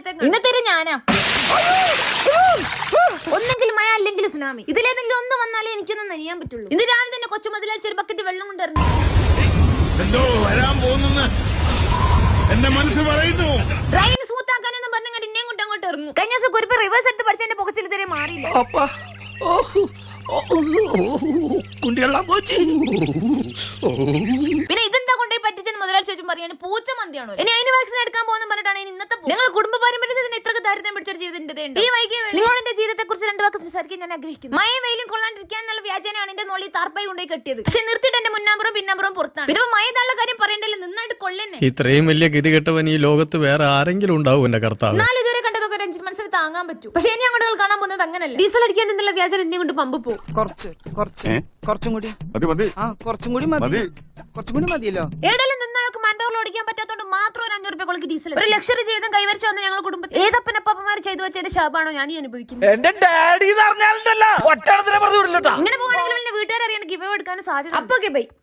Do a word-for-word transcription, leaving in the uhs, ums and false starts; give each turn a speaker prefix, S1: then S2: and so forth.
S1: ഒരാഴ്ചത്തേക്ക് ഇന്നത്തെ ഞാനാ. ഒന്നെങ്കിലും മഴ അല്ലെങ്കിൽ സുനാമി, ഇതിലേതെങ്കിലും ഒന്ന് വന്നാലേ എനിക്കൊന്നും നനിയാൻ പറ്റുള്ളൂ. ഇന്ന് രാവിലെ തന്നെ കൊച്ചു മുതലാഴ്ച ഒരു ബക്കറ്റ് വെള്ളം കൊണ്ടിറങ്ങി.
S2: എന്റെ മനസ്സ് പറയുന്നു
S1: ട്രെയിൻ സ്മൂത്ത് ആക്കാനെന്ന് പറഞ്ഞാൽ ഇന്നേം കൊണ്ട് അങ്ങോട്ട് ഇറങ്ങും. കഴിഞ്ഞ ദിവസം കുറിപ്പ് റിവേഴ്സ് എടുത്ത് പഠിച്ച എന്റെ പൊക്കച്ചിൽ ഇതുവരെ മാറിയില്ല. പിന്നെ ഇതെന്താ കൊണ്ടുപോയി പറ്റിച്ചെന്ന് മുതലാളി ചോദിച്ചും പറയാണ് പൂച്ച മന്തിയാണോ. ഇനി അതിന് വാക്സിൻ എടുക്കാൻ പോകുന്ന പറഞ്ഞിട്ടാണ് ഇന്നത്തെ നിങ്ങൾ കുടുംബ പാരമ്പര്യത്തിന് ഇത്രക്ക് ദാരിദ്ര്യം പിടിച്ചൊരു ജീവിതത്തിന്റെ ഈ വൈകി നിങ്ങളുടെ ജീവിതത്തെ കുറിച്ച് രണ്ടു വാക്ക് സംസാരിക്കാൻ ഞാൻ ആഗ്രഹിക്കുന്നു. മഴ വെയിലും കൊള്ളാണ്ടിരിക്കാൻ എന്നുള്ള വ്യാജനാണ് എന്റെ മോളിൽ താർപ്പായി കൊണ്ടുപോയി കെട്ടിയത്. പക്ഷെ നിർത്തിയിട്ട് എന്റെ മുന്നാമ്പുറം പിന്നാമ്പുറം പുറത്താണ്. പിന്നെ മഴ നല്ല കാര്യം പറയണ്ടല്ലോ, നന്നായിട്ട് കൊള്ളന്നെ.
S3: ഇത്രയും വലിയ ഗതി കെട്ടവൻ ഈ ലോകത്ത് വേറെ ആരെങ്കിലും ഉണ്ടാവും എന്റെ കർത്താവ്.
S1: നാല് ഇതുവരെ കണ്ടതൊക്കെ ഒരു അഞ്ച് മനസ്സിൽ താങ്ങാൻ പറ്റും. പക്ഷെ ഇനി അങ്ങോട്ട് കാണാൻ പോകുന്നത് അങ്ങനല്ല. ഡീസൽ അടിക്കാൻ എന്നുള്ള വ്യാജൻ എന്നെ കൊണ്ട് പമ്പ് പോകും.
S4: കുറച്ച് കുറച്ച് കുറച്ചും കൂടി
S2: മതി മതി
S4: ആ കുറച്ചും കൂടി മതി കുറച്ചും കൂടി മതിയല്ലോ.
S1: ഏടെല്ലാം നിന്നവർക്ക് മാൻപവറിൽ ഓടിക്കാൻ പറ്റാത്തോണ്ട് മാത്രം ഒരു അഞ്ഞൂറ് രൂപ കൊളക്ക് ഡീസൽ ഒരു ലക്ഷറി ജീവിതം കൈവരിച്ചു വന്ന ഞങ്ങൾ കുടുംബത്തിൽ ഏതപ്പനപ്പന്മാർ ചെയ്തു വെച്ചതിന്റെ ശാപാണോ ഞാൻ ഈ അനുഭവിക്കുന്നത്.
S5: എന്റെ ഡാഡി പറഞ്ഞാലോ ഒറ്റ
S1: ഇങ്ങനെ പോകണമെങ്കിൽ വീട്ടുകാർ അറിയാൻ ഗിവ് എടുക്കാനും സാധ്യത. അപ്പൊ ബൈ.